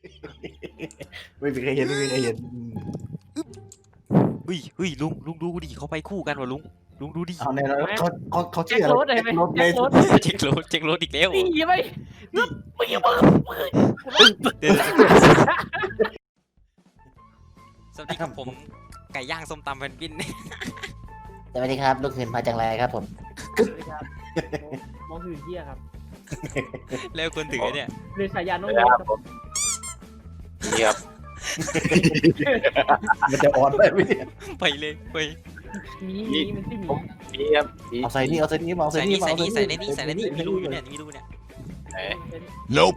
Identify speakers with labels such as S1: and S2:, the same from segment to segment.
S1: ไม่มีใครเห็นไม่มีใครเห็น
S2: เฮ้ยลุงดูดิเขาไปคู่กันวะลุงดูดิ
S1: เอาแน่นอนเขา
S3: แจ็
S1: ชื่
S3: ค
S1: ออะไร
S3: รถเลยไหม
S1: รถ
S3: แจ็ครถ
S2: เช็ครถอีกแล้ว
S3: นี่ไหมมึงอย่ามึง
S2: เดี๋ยวสวัสดีครับผมไก่ย่างส้มตำแฟนปิ้น
S1: สวัสดีครับลูกเห็นมาจากไรครับผม
S3: มองหื่นเหี้ยครับ
S2: แล้วคนถือเนี่ย
S3: เรือสายยานน้อง
S4: ค
S3: ร
S4: รับ
S3: ถ
S4: ผมนี่ครับ
S1: มันจะอ่อนไปไหมเนี่ย
S2: ไปเลยไป
S3: มีมันที่มี
S4: นี่ครับนี่
S1: เอาใส่นี่เอาใส่นี่เอา
S2: ใส่
S1: ใส่นี่
S2: นี่ใส่นี่ใส่ในนี่มีรูอยู่เนี่ยมีรูเนี่ย
S4: ไหน
S5: Nope.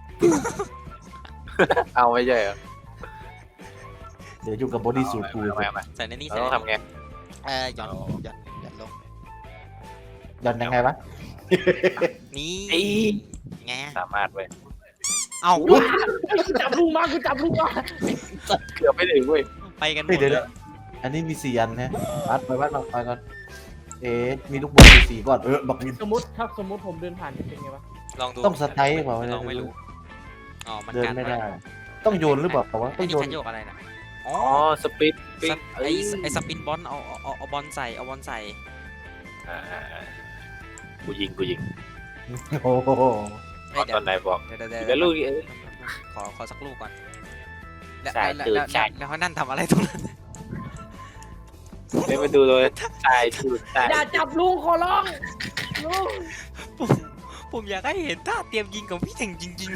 S4: เอาไม่ใช่เหรอ
S1: เดี๋ยวอยู่กับบอดี้สูทกู
S4: เอามา
S2: ใส่ในนี่
S4: เรา
S2: ใส่
S4: ต้องทำไง
S2: หย่อนลง
S1: ย้อนยังไงวะ
S2: นี่ไง
S4: สามารถเว้ย
S2: เอ้า
S3: จับลุงมากูจับลุงมา
S4: เกือบไม่ถึงเว้ย
S2: ไปกันหม
S1: เฮ้ย
S2: ด
S1: เดี๋ยว
S2: เลย
S1: อันนี้มี4 อันนะวัดไปวัดไปก่อนมีลูกบอลมี4 ก้อนบอกมี
S3: สมมติผมเดินผ่านเป็นไงวะ
S2: ลองดู
S1: ต้องสไตล์เปล่า
S2: ลองไม่รู้อ๋อมัน
S1: เดิน
S2: กัน
S1: ไม่ได้ต้องโยนหรือเปล่าวะ
S2: ไอ้
S1: ต้องโยน
S2: นี่คันโยกอะไรนะอ๋อ
S4: อ๋อสปิดปิด
S2: ไอ้สปินบอลเอาบอลใส่เอาบอลใส่
S4: กูยิง
S1: โอ้โห
S2: เดี๋
S4: ต
S2: ย
S4: อนไหนบอก
S2: เดี๋ยว
S4: เดี๋ยวลูก
S2: ขอสักลูกก่อนแล้ว
S4: ใช่ตื่นใช่
S2: แล้วเขานั่นทำอะไรตรงนั้น
S4: เดี๋ยวมาดูเลยตายดูตาย
S3: อย่าจับลุงขอร้องลุง
S2: ผมอยากให้เห็นท่าเตรียมยิงของพี่เถ่งจริง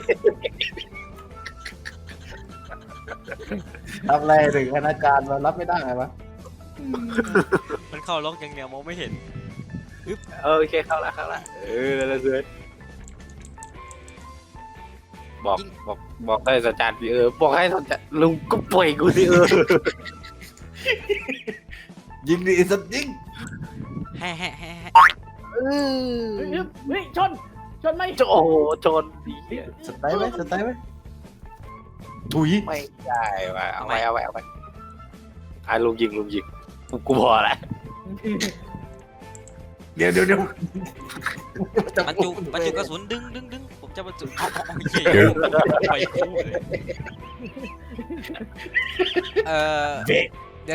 S1: ทำอะไรถึงคณาจารย์มารับไม่ได้ไงวะ
S2: ๆ มันเข้าล็อกอย่างเดียวมองไม่เห็น
S4: โอเคเข้าละแล้วเพื่อนบอกให้สัญญาณดิบอกให้สัญญาณลุงก็ปล่อยกูดิ
S1: ยิงดิสัตว์ยิง
S2: แฮ่
S3: เฮ้ยชนไหม
S4: โอ้โหชนดี
S1: สไตล์ไหมสไตล์ไหมถุย
S4: ไม่ได้ว่ะเอาไปลุงยิงกูพอละ
S1: เดี๋ยว
S2: บรรจุกระสุนดึงผมจะบรรจุเอาเหี้ยไปคู่เลยเดี๋ยว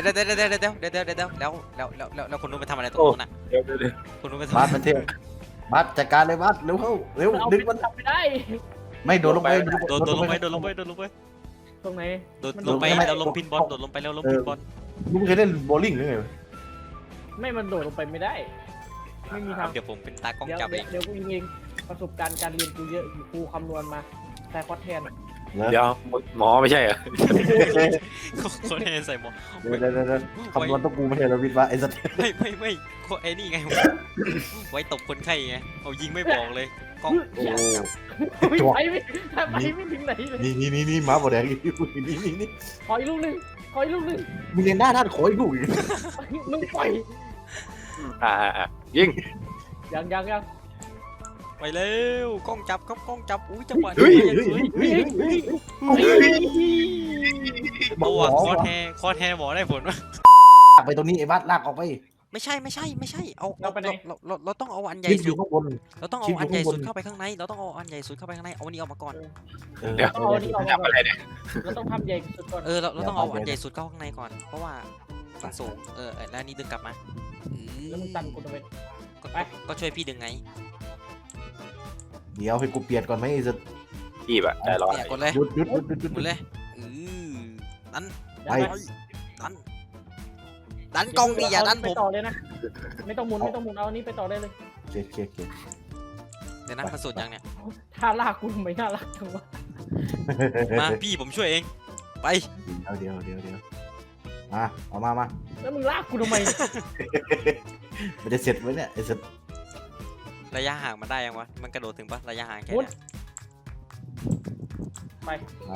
S2: แล้วคนนู้นไปทำอะไรตรงนู้นน่ะ
S4: เดี๋ยว
S2: คนนู้นไปทำ
S1: บัสมันเทพบัสจัดการเลยบัสเร็วเข้าเร็ว
S3: เอา
S1: ดึงมัน
S3: จับไม่ได้
S1: ไม่โดนลงไป
S2: โดนลงไป
S3: ตรงไหน
S2: ลงไปแล้วลงพินบอลโดดลงไปแล้วลงพินบอล
S1: มึงเคยเล่นโบว์ลิ่งหรือไง
S3: ไม่มันโดดลงไปไม่ได้ ไม่มีทาง
S2: เดี๋ยวผมเป็นตากล้อง
S3: เดี๋ยว
S2: จับเอง
S3: เดี๋ยวกูยิงเองประสบการณ์การเรียนกูเยอะกูคำนวณมาแต่คอสแทน
S4: เดี๋ยวหมอไม่ใช่เหรอ
S2: คนให้ใส่หมวก
S1: เดี๋ยวคำนวณต้องกูไม่ใช่เราวิทย์วะไอ้สัตว์
S2: ไม่ไอ้นี่ไงไว้ตบคนไข้ไงเอายิงไม่บอกเลยกล้อง
S1: โอ้
S3: ไปไม่ถึงไหนเลย
S1: นี่ม้าบอแดงนี่
S3: ขออีกลูกหนึ่ง
S1: มึงเรียนหน้าด้านขออีกลูก
S3: มึงปล่อย
S4: ยิง
S3: ยัง
S2: ไปเร็วกล้องจับครับกล้องจับอุ้ยจังหวะ
S1: เฮ้ย
S2: ตัวคอแทหมอได้ผลไหม
S1: ลากไปตรงนี้ไอ้บัสลากออกไป
S2: ไม่ใช่เอาเราต้องเอาอันใหญ่
S1: ยิงอ
S2: สุ
S1: ยู่
S2: ด
S1: ข้างบน
S2: เราต้องเอาอันใหญ่สุดเข้าไปข้างในเราต้องเอาอันใหญ่สุดเข้าไปข้างในเอาอันนี้ออกมาก่อน
S4: เดี๋ยว
S3: เอานี่ออกมา
S4: จับ
S3: ก่อน
S4: อะไรเนี่ย
S3: เราต้องทำใหญ่สุดก่อน
S2: เราต้องเอาอันใหญ่สุดเข้าข้างในก่อนเพราะว่ามันสูงแล้วนี่ดึงกลับมา
S3: แล้วมึงตันกูทำไม
S2: ก็ช่วยพี่ดึงไง
S1: เดี๋ยวให้กูเปลี่ยนก่อนไหมไอ้สัตว์
S4: พี่แบบใจร้อน
S2: เนี่ยกดเลย
S1: หยุด
S2: หมดเลยดัน
S1: ไป
S2: ดันกล้องดิอย่าดันผม
S3: ไปต่อเลยนะไม่ต้องหมุนเอาอันนี้ไปต่อได้เลย
S1: เช็ค
S2: เดี๋ยวนะมันสุดยังเนี่ย
S3: ท่าลากกูทำไมน่ารักจังวะ
S2: มาพี่ผมช่วยเองไป
S1: เดี๋ยวมาเอามา
S3: แล้วมึงลากกูทำไม
S1: มันจะเสร็จไหมเนี่ยไอ้สัตว์
S2: ระยะห่างมันได้ยังวะมันกระโดดถึงปะระยะห่างแค่เนี้ย
S3: ไปมา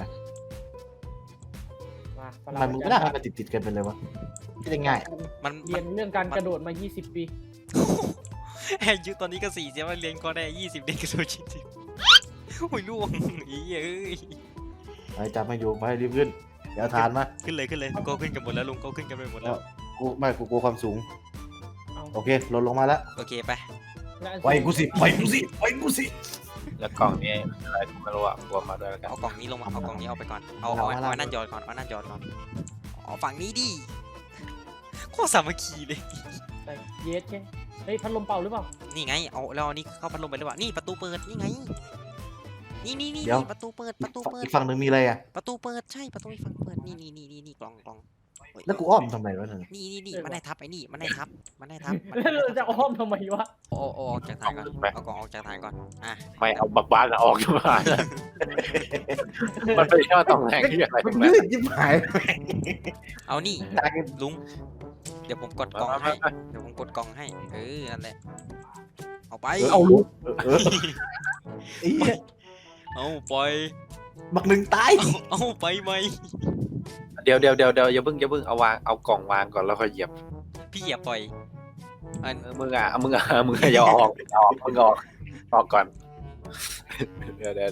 S1: ทำไมมึงไม่ได้ให้มันติดกันไปเลยวะไม่ได้ง่าย
S2: มัน
S3: เรียนเรื่องการกระโดดมา 20 ปี
S2: อายุตอนนี้ก็4เสียว่าเรียนก็ได้20เด็กกระโดดจริงๆโอ้ยล่วงอีเอ้ย
S1: ไปจับมาอยู่ไปรีบขึ้นเดี๋ยวทานมา
S2: ขึ้นเลยก็ขึ้นกันหมดแล้วลุงก็ขึ้นกันไปหมดแล้ว
S1: กูกลัวความสูงโอเคลดลงมาแล้ว
S2: โอเคไป
S1: ไปกูสิ
S4: แล้วกล่องนี้อะไรกูไม่รู้อ่ะรวมมาด้วยแล้วกัน
S2: เอากล่องนี้ลงมาเอากล่องนี้เอาไปก่อนเอานั่นหยอดก่อนเอานั่นหยอดก่อนอ๋อฝั่งนี้ดิโคตรสามัคคีเลย
S3: ใส่เยสแค่เฮ้ยพัดลมเป่าหรือเปล่า
S2: นี่ไงเอาแล้วอันนี้เข้าพัดลมไปหรือเปล่านี่ประตูเปิดนี่ไงนี่ประตูเปิด
S1: อีกฝั่งหนึ่งมีอะไรอ่ะ
S2: ประตูเปิดใช่ประตูอีกฝั่งเปิดนี่กล่องเฮ้ย
S1: แล้วกูอ้อมทำไมวะเนี่ย
S2: นี่มันได้ทับไอ้นี่มันได้ทับ
S3: แล้วเราจะอ้อมทำไมวะ
S2: โอ้ออกจากฐานก่อนเอากล่องออกจากฐานก่อนอ่ะ
S4: ไม่เอาบักบ้านออกมา มันเป็นแค่ตำแหน่งที่อะไร
S1: มัน
S4: แม่
S1: ยืดยิบหาย
S2: เอานี่
S1: ตายกัน
S2: ลุงเดี๋ยวผมกดกล่องให้เดี๋ยวผมกดกล่องให้นั่นแหละเอาไป
S1: เอาลูกไอ้เหี้ย
S2: เอาปล่อย
S1: บักหนึ่งตาย
S2: เอาไปไหม
S4: เดี๋ยวอย่าเพิ่งเอากล่องวางก่อนแล้วค่อยเหยียบ
S2: พี่อย่าปล่อยอัน
S4: มึงอย่าออกมึงออกก่อนเดี๋ยว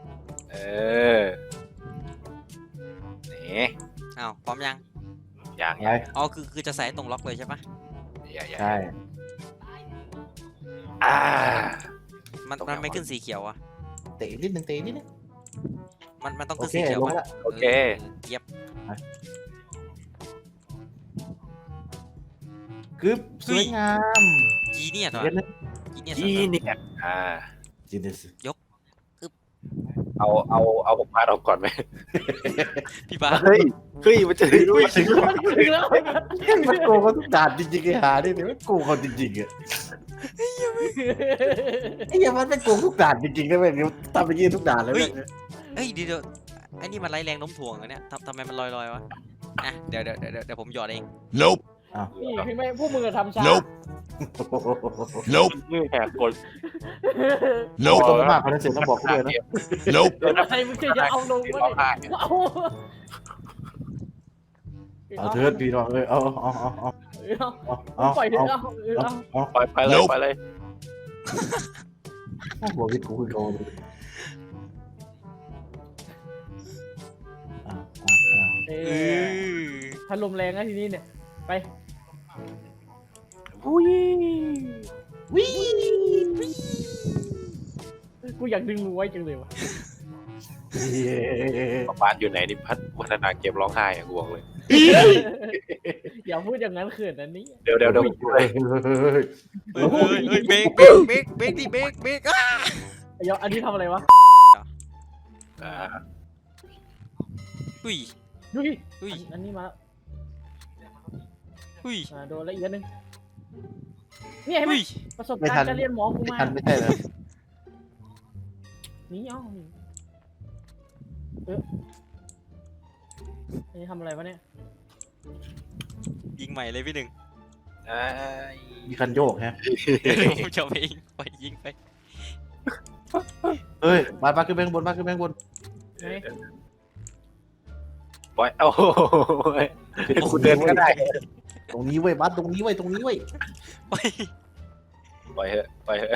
S4: นี่
S2: เอาพร้อมยัง
S4: อย่าง
S1: ไง
S2: อ๋อคือจะใส่ตรงล็อกเลยใช่ปะ
S1: ใช่
S2: มันไม่ขึ้นสีเขียวอ่ะ
S1: เตะนิดนึงเตะนิดนึง
S2: มันต้อง
S1: โอ
S2: ขึ้น
S1: เค
S2: สีเขียว
S1: ลง
S2: ปะ
S1: ละ
S4: โอเค
S2: เย็บ
S1: กึ๊บสวยงาม
S2: จีเนี่ยตัว
S1: เย็นนะ
S2: จีเนี่ย
S4: ที่เนี่ย
S1: จีนิส
S4: เอาบักบ้านออกก่อนไหม
S2: พี่บ้า
S4: เฮ้ยมันจะถึงด้วย
S1: ถึงแล้ว
S3: ถึงแล้ว
S1: มันโกงเขาทุกด่านจริงๆไอ้หาเนี่ยมันโกงเขาจริงๆอ่ะไอ้เหี้ยมันเป็นโกงทุกด่านจริงๆนะเว้ยทำไปยี่ทุกด่านเลยเว้ย
S2: เฮ้ยเดี๋ยวไอ้นี่มันไร้แรงโน้มถ่วงอะเนี่ยทำไมมันลอยวะอ่ะเดี๋ยวผมหยอดเอง
S5: Nope.
S3: นี่พี่ไม่พวกมึงอะทำช้า
S5: Nope. Nope.
S4: มือแหกกด
S1: ต้อง
S5: Nope.
S1: มากคนนั้นเสร็จต้องบอกกูด้วยนะ
S5: Nope.
S3: อะไรมึงจะเอาลงวะเนี่ยเอา
S1: เอาเถิดพี่น้องเอ้ยเอา
S3: ปล่อยเถอะเอา
S4: ไปเลย
S5: Nope
S4: ไปเลย
S1: บอกวิทย์กูคือโกงเลย
S3: เอ
S2: เอ
S3: อ
S2: อ
S3: พัดลมแรงนะทีนี้เนี่ยไป
S4: อุ้ย
S3: กูอยากดึงมือไว้จังเลยวะ
S4: บักบ้านอยู่ไหนนี่พัฒนาเกมร้องไห้อะกูบอกเลย
S3: อย่าพูดอย่างนั้นเขินอันนี้
S4: เดี๋ยว
S2: เบรกดิเบรกอ่ะ
S3: เดี๋ยวอันนี้ทำอะไรวะ
S2: อุ้ย
S3: ดูดิ
S2: อุ้ย
S3: อันนี้มา
S2: อุ้ย
S3: โดนแล้วอีกอันนึงนี่เห็นไหม
S2: อุ้ย
S3: ประสบการณ์การเรียนหมอกู
S1: ไม่
S3: มา
S1: ทันไม่ใช่เหรอ
S3: นี่เอ้าอันนี้ทำอะไรวะเนี่ย
S2: ยิงใหม่เลยพี่หนึ่ง
S1: มีคันโยกฮะ
S2: ผมจะไปยิงไปยิงไป
S1: เฮ้ยมาขึ้นไปข้างบนมาขึ้นไปข้างบน
S3: เฮ้ย
S4: ปล่อยโอ้ยกูเดินก็ได้
S1: ตรงนี้เว้ยบัสตรงนี้เว้ยตรงนี้เว้ย
S2: ไป
S4: ปล่อยเถอะ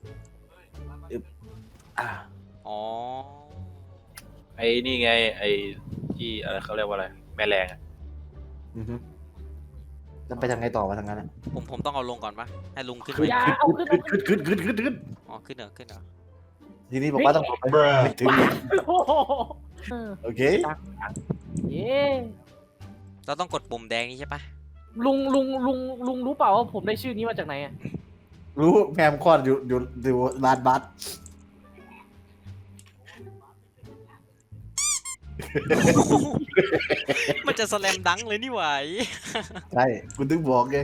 S1: อ่า
S2: อ๋อ
S4: ไอ้นี่ไงไอ้ที่อะไรเขาเรียกว่าอะไรแม่แรงอะ
S1: แล้วไปทางไงต่อมาทางนั้นอ่ะ
S2: ผมต้องเอาลงก่อนปะให้ลุงขึ้น
S1: ขึ้
S2: ไป
S1: น
S3: อย่าเอาขึ้น
S1: ขึ้น
S2: อ๋อขึ้นเหรอ
S1: ทีนี้บอกว่าต้องไปไม่ถึง
S3: โอ้โห
S1: โอเค
S3: เย้
S2: เราต้องกดปุ่มแดงนี่ใช่ปะ
S3: ลุงรู้เปล่าว่าผมได้ชื่อนี้มาจากไหนอ่ะ
S1: รู้แมมคอนอยู่ลานบัส
S2: มันจะสแลมดังเลยนี่หว่า
S1: ใช่คุณถึงบอกไง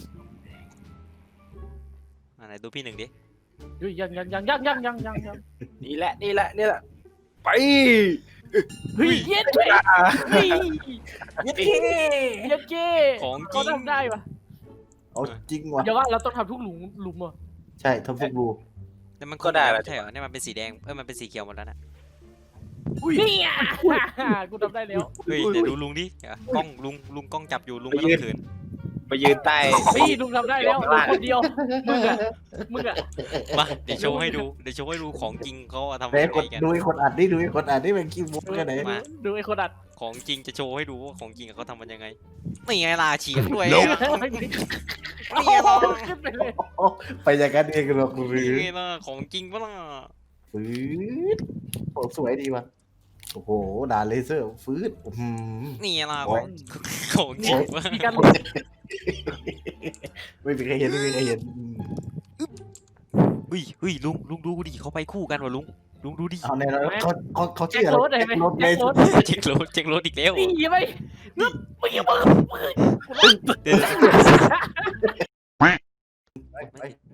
S2: ไหนดูพี่หนึ่งดิ
S3: ยัง
S4: นี่แหละไป
S3: เฮ้ยเย็ดเฮ้ยเฮ้ย
S1: เย็ด
S3: เย็ดเก้
S2: ของจ
S3: เขา
S2: ริง
S3: ทำได้ปะ
S1: เอาจริงว่ะ
S3: เดี๋ยวว่าเราต้องทำทุกหลุมอ่ะ
S1: ใช่ทำฟุตบู
S2: แต่มันก็ได้แล้วใช่เหรอเนี่ยมันเป็นสีแดงมันเป็นสีเขียวหมดแล้วนะ
S3: เนี่ยกูทำได้แล้ว
S2: เฮ้ยเดี๋ยวดูลุงดิกล้องลุงกล้องจับอยู่ลุงไม่ต้องเขิน
S4: ไปยืนใต้
S3: เฮ้ยลุงทำได้แล้วลุงคนเดียวมึงอ่ะ
S2: มาเดี๋ยวโชว์ให้ดูของจริงเขาทำ
S1: ไหน
S2: ยัง
S1: ก
S2: ไง
S1: ด
S2: กัน
S1: ดูไอ้คนอัดนี่เป็นขี้มุกกันไหน
S2: มา
S3: ดูไอ้คนอัด
S2: ของจริงจะโชว์ให้ดูว่าของจริงเขาทำมันยังไงนี่ไงล่ะเฉียงด้วย
S5: Nope
S3: นี่ไงลองขึ้นไปเลย
S1: ไปอย่างนั้นเองหรอกหรือ
S2: นี่ไงล่ะของจริงปะล่ะ
S1: ฟืดโอ้สวยดีว่ะโอ้โหด่านเลเซอร์ฟืดอื้อหือ
S2: นี่ล่ะ
S1: โอ้
S2: ของจริงวะ
S3: มีการ
S1: ไม่มีใครเห็นไม่มีใครเห็น
S2: เฮ้ยลุงดูดิเขาไปคู่กันวะลุงดูดิ
S1: เอาในแล้วเขา
S3: แจ็
S1: ชื่
S3: ค
S1: ออะไร
S3: โรสได้ไหม
S1: แจ็คโรส
S3: แจ็คโรส
S2: เช็ครถอีกแล้ว
S3: นี่ยังไงมึงมึง
S2: เดี๋ยว
S1: ไป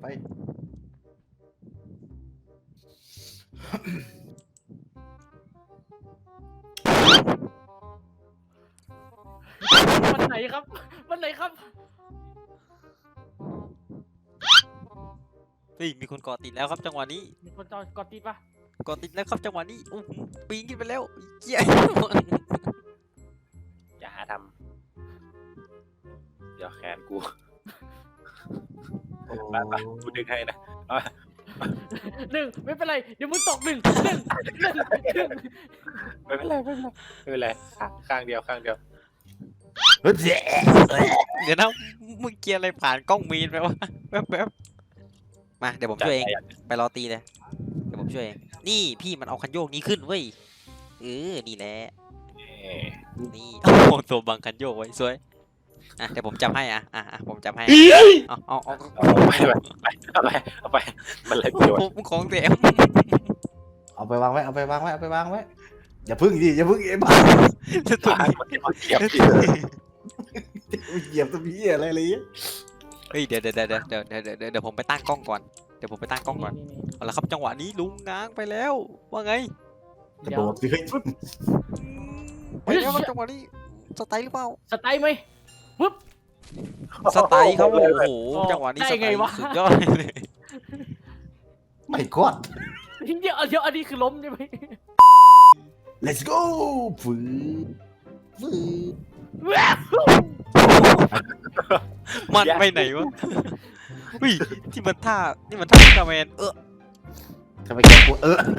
S3: วันไหนครับวันไหนครับ
S2: เฮ้ยมีคนเกาะติดแล้วครับจังหวะนี้
S3: มีคนจอดกดติดปะ
S2: เกาะติดแล้วครับจังหวะนี้อู้หูปีนขึ้นไปแล้วเจี๊ย
S4: อย่าหาทำเดี๋ยวแขนกู
S1: โอ้
S4: ไปกูดึงให้นะ
S3: หนึ่งไม่เป็นไรเดี๋ยวมึงตกหนึ่ง
S4: ไม่เป็นไรไม่เป็นไรข้างเดียว
S1: เฮ้ยเจ๊
S2: เดี๋ยวนะมึงเกียร์อะไรผ่านกล้องมีนไปวะแป๊บมาเดี๋ยวผมช่วยเองไปรอตีเลยเดี๋ยวผมช่วยเองนี่พี่มันเอาคันโยกนี้ขึ้นเว้ยนี่แหละนี่โอ้โหตัวบังคันโยกไว้สวยอ่ะเดี๋ยวผมจับให้อ่ะผมจับให้เอา
S4: เอาไปมันเลยประโยชน์
S2: ผมของเต็ม
S1: เอาไปวางไว้อย่าพึ่งดิไอ้บ้า
S2: ตัว
S4: ตาย
S2: นี้
S4: มันเก็บ
S1: เหยียบตัวพี่อะไรเงี้ย
S2: เฮ้ยเดี๋ยวผมไปตั้งกล้องก่อนเดี๋ยวผมไปตั้งกล้องก่อนเอาละครับจังหวะนี้ลุงง้างไปแล้วว่าไง
S1: กระโดดสิเฮ้ย
S2: ไปแล้วครับจังหวะนี้สไตล์หรือเปล่า
S3: สไตล์ไหม
S2: สไตล์ครับโอ้โหจังหวะนี้สไตล์สุดยอดเลย
S1: ไม่กอด
S3: เดี๋ยวอันนี้คือล้มใช่ไหม
S1: let's go ฟืด
S2: มันไปไหนวะเฮ้ยที่มันท่าอุลตร้าแมน
S1: ทำไมแกกู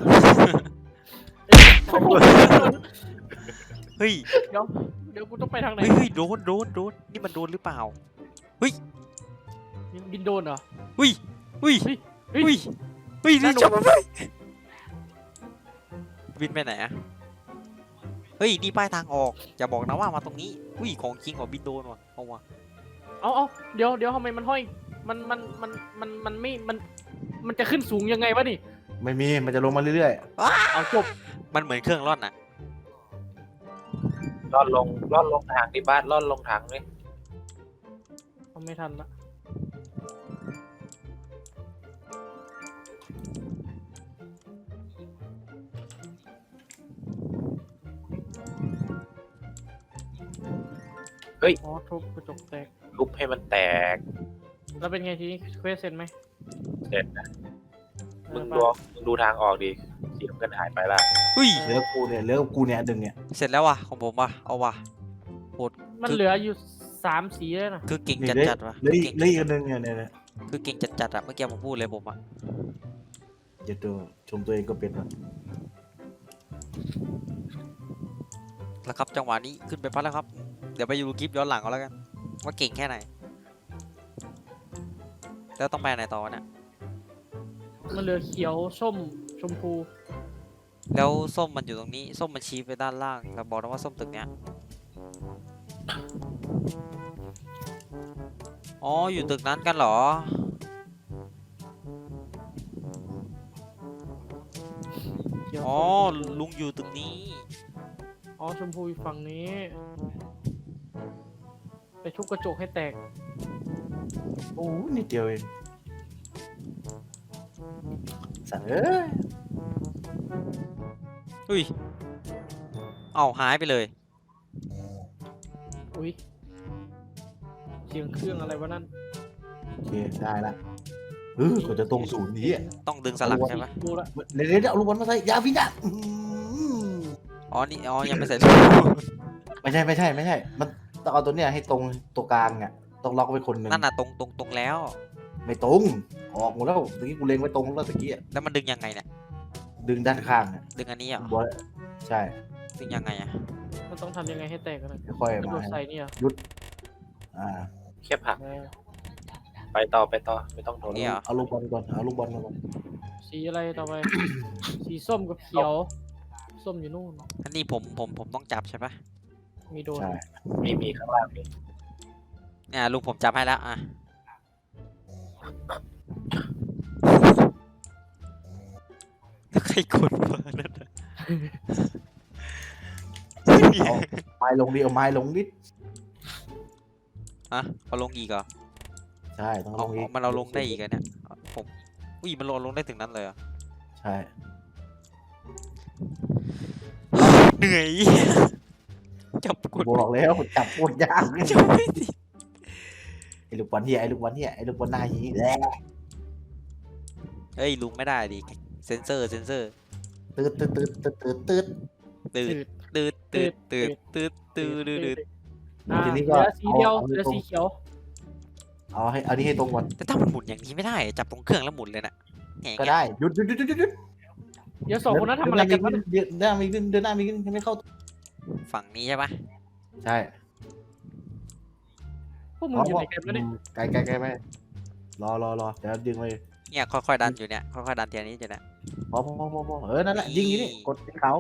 S2: เฮ้ย
S3: เดี๋ยวกูต้องไปทางไหน
S2: เฮ้ยโดนนี่มันโดนหรือเปล่า
S3: บินโดนเหรอ
S2: เฮ้ยนี่จบไปบินไปไหนอะเฮ้ยนี่ป้ายทางออกอย่าบอกนะว่ามาตรงนี้ของจริงว่ะบินโดนว่ะเอาว่ะ
S3: เอาเดี๋ยวทำไมมันห้อยมันไม่มันจะขึ้นสูงยังไงวะนี่
S1: ไม่มีมันจะลงมาเรื่อย
S3: เอาจบ
S2: มันเหมือนเครื่องร่อนอะ
S4: ล่อนลงทางที่บ้านล่อนลงทางเลย
S3: เอาไม่ทันละ อ๋อทุบกระจกแตก
S4: ทุบให้มันแตก
S3: แล้วเป็นไงทีนี้เควสเสร็จไหม
S4: เสร็จนะมึงดูทางออกดิสีน้ำเงินหายไปละ
S1: ๆเหลือกูเนี่ยดึงเนี่ย
S2: เสร็จแล้วว่ะของผมว่ะเอาว่ะ
S3: มันเหลืออยู่3 สีแล้วนะ
S2: คือเก่งจัดว่ะ
S1: เหลืออีกอันนึงเนี่ย
S2: คือเก่งจัดอะเมื่อกี้ผมพูดเลยผมอะ
S1: อย่าตัวชมตัวเองก็เป็นนะ
S2: แล้วครับจังหวะนี้ขึ้นไปพัดแล้วครับเดี๋ยวไปดูคลิปย้อนหลังเอาแล้วกันว่าเก่งแค่ไหนแล้วต้องไปไหนต่อเนี่ย
S3: มันเหลือเขียวส้มชมพู
S2: แล้วส้มมันอยู่ตรงนี้ส้มมันชี้ไปด้านล่างแล้วบอกนะว่าส้มตึกเนี้ยอ๋ออยู่ตึกนั้นกันเหรอ
S3: เขียว
S2: อ๋อ
S3: ส้ม
S2: ลุงอยู่ตึกนี้
S3: อ๋อชมพูอยู่ฝั่งนี้ ไปทุบกระจกให้แตก
S1: โอ้นิดเดียวเองสั่งเอ้ย
S2: อุ้ยเอาหายไปเลย
S3: อุ้ยเสียงเครื่องอะไรวะนั่น
S1: โอเคได้ละกว่าจะตรงศูนย์นี้อ่ะ
S2: ต้องดึงสลักใช่ไหม
S3: ดูละ
S1: เดี๋ยวเอาลูกบอลมาใส่ยาพิษอ่ะ
S2: อ๋อนี่อ๋อยังไม่เสร็จ
S1: ไม่ใช่มันต้องเอาตัวเนี้ยให้ตรงตัวกลางอ่ะต้องล็อกไว้คนหนึ่ง
S2: นั่นน่ะตรงแล้ว
S1: ไม่ตรงออกหมดแล้วตะกี้กูเล็งไว้ตรงแล้วตะกี้
S2: แล้วมันดึงยังไงเนี่ย
S1: ดึงด้านข้างอ่ะ
S2: ดึงอันนี้เหรอบ
S1: อลใช่
S2: ดึงยังไงอะ
S3: มันต้องทำยังไงให้แตกกันนะ
S1: ค่อย
S3: กระ
S1: ๆ
S3: โด
S1: มา
S3: ดใส่เนี่ย
S1: อ่า
S4: แค่ผัก
S3: แล้ว
S4: ไปต่อไม่ต้องโดน
S2: เนี่ยเหรอ
S1: เอาลูกบอลก่อนเอาลูกบอลมาก่อน
S3: สสีอะไรต่อไป สีส้มกับเขียว ส้มอยู่นู่น
S2: อันนี้ผมต้องจับใช่ปะ
S3: มีโดน
S1: ใช่
S4: มีข้างล่างมี
S2: เนี่ยลุงผมจับให้แล้วอ่ะใครกดมานั่นน่ะ
S1: ไม้ลงดิเอาไม้ลงดิ
S2: ฮะเอาลงอีกเหรอ
S1: ใช่ต้องล
S2: เอา
S1: งอีก
S2: มันเอาลงได้อีกเหรอเนี่ยผมอุ้ยมันลงได้ถึงนั้นเลยเหรอ
S1: ใช่
S2: เหนื่อย จับกด
S1: บอกแล้วจับโคตรยาก
S2: จับไม่ติด
S1: ไอ้ลูกบอลเฮียไอ้ลูกบอลเฮียไอ้ลูกบอลหน้าหีแหละ
S2: เฮ้ยลุงไม่ได้ดิเซนเซอร์
S1: ตืดตืดตืดตืดตืดตืด
S2: ตืดตืดตืดตืดตืดตืดตืด
S1: ทีนี้
S3: เห
S1: ก็
S3: ลือสีเดียว
S1: เอา
S3: เหลือสีเขียว
S1: เอานี้ให้ตรงก่อน
S2: แต่ถ้ามันหมุนอย่างนี้ไม่ได้จับตรงเครื่องแล้วหมุนเลยน่ะแหง
S1: ก็ได้หยุดหยุดหยุดหยุดหยุด
S3: เดี๋ยวสองคนนั้นทำอะไรกันวะเนี่ย
S1: เดินหน้ามีขึ้นเดินหน้ามีขึ้นยังไม่เข้า
S2: ฝั่งนี้ใช่ปะ
S1: ใช่
S3: พวกมึงอยู่ไหนกันวะเนี่ย
S1: ไกลไกลไกลไปรอเดี๋ยวดึงไป
S2: เนี่ยค่อยๆดันอยู่เนี่ยค่อยๆดันทีละนี้อยู่เนี่ย
S1: พอนั่นแหละยิงอย่างนี้กดที่เขา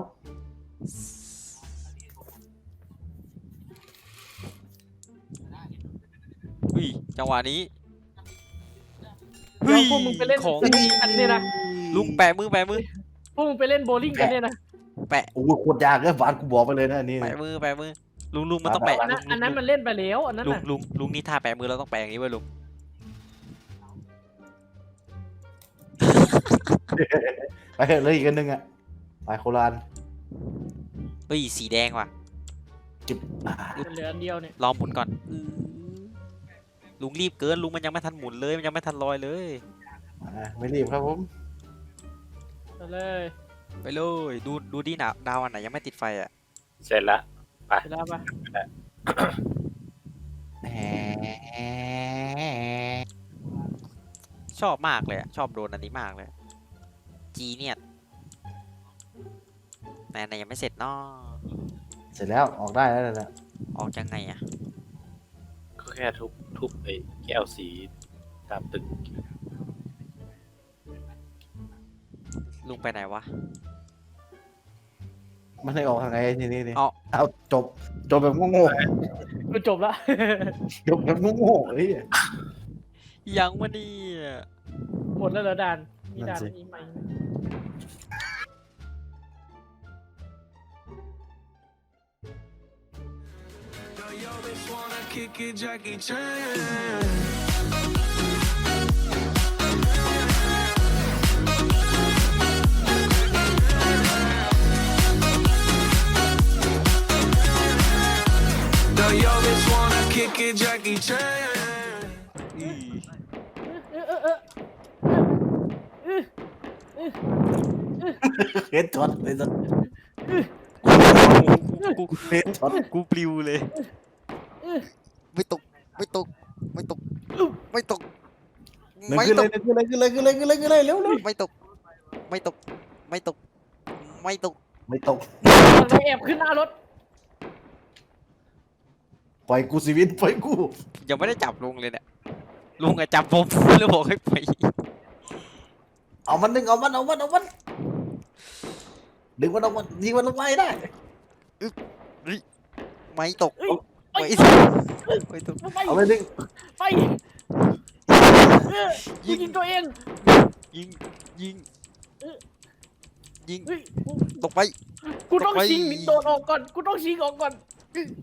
S2: อุ้ยจังหวะนี้
S3: เดี๋ยวพวกมึงไปเล่น
S2: ของ
S3: สกีกันเนี่ยนะ
S2: ลุงแปะมือ
S3: พวกมึงไปเล่นโบว์ลิ่งกันเนี่ยนะ
S2: แปะ
S1: โอ้โหโคตรยากเลยบานกูบอกไปเลยนะอันนี่
S2: แปะมือลุงมันต้องแปะ
S3: อันนั้นมันเล่นไปแล้วอันนั้นน่ะ
S2: ลุงนี่ท่าแปะมือเราต้องแปะอย่างนี้ไว้ลุง
S1: ไปเถอะเลยอีกอันหนึงอ่ะไปโคราช
S2: เฮ้ยสีแดงว่ะ
S1: จิบ
S3: เหลืออันเดียวเนี่ย
S2: ลองหมุนก่อนลุงรีบเกินลุงมันยังไม่ทันหมุนเลยมันยังไม่ทันลอยเลย
S1: ไม่รีบครับผม
S3: ไปเลย
S2: ไปเลยดูดินะดาวอันไหนยังไม่ติดไฟอ่ะ
S4: เสร็จละ
S3: ไปแล้วปะ
S1: แหม
S2: ชอบมากเลยอะชอบโดนอันนี้มากเลยจีเนี่ยไหนยังไม่เสร็จเนาะ
S1: เสร็จแล้วออกได้แล้วแหละ
S2: ออกยังไงอ่ะ
S4: ก็แค่ทุบไอ้แก้วสีตามตึก
S2: ลุงไปไหนวะ
S1: มันให้ออกทางไงทีนี้นี่
S2: เอา
S1: จบแบบโง่
S3: กูจบละ
S1: ๆจบแบบโง่ๆเฮ้ย
S2: ยังวะเนี่ย
S3: หมดแล้วเหรอด่านมีด่าน
S1: นั่นสิ
S3: นี้ไหม
S5: Kick it, Jackie Chan. Do you always wanna kick it, Jackie Chan?
S1: เฮ็ดช็อตเลยสัส
S2: กู
S1: เฮ็ดช็อต
S2: กูปลิวเลย ไม่ตก
S1: หนึ่ง
S2: ไม่ตก
S1: ขึ้นเลยขึ้นเลยเร็ว
S2: ไม่ตก ไม่ตก
S1: ไม่ตก
S3: มันแอบขึ้นหน้ารถ
S1: ปล่อยกูชีวิตปล่อยกู
S2: ยังไม่ได้จับลุงเลยเนี่ย ลุงอะจับผมแล้วบอกให้ไป
S1: เอามันดึงเอามันดึงมันออกมายิงมันลงไปได้
S2: ไม่ตก ไม่ตก ไม่ตก
S3: ไป
S1: เอาไปดึง
S3: ไปกูยิงตัวเอง
S2: ยิง ยิง
S3: เฮ้ย
S2: ตกไป
S3: กูต้อง
S2: ไป
S3: ชิงโดดออกก่อนกูต้องชิงออกก่อน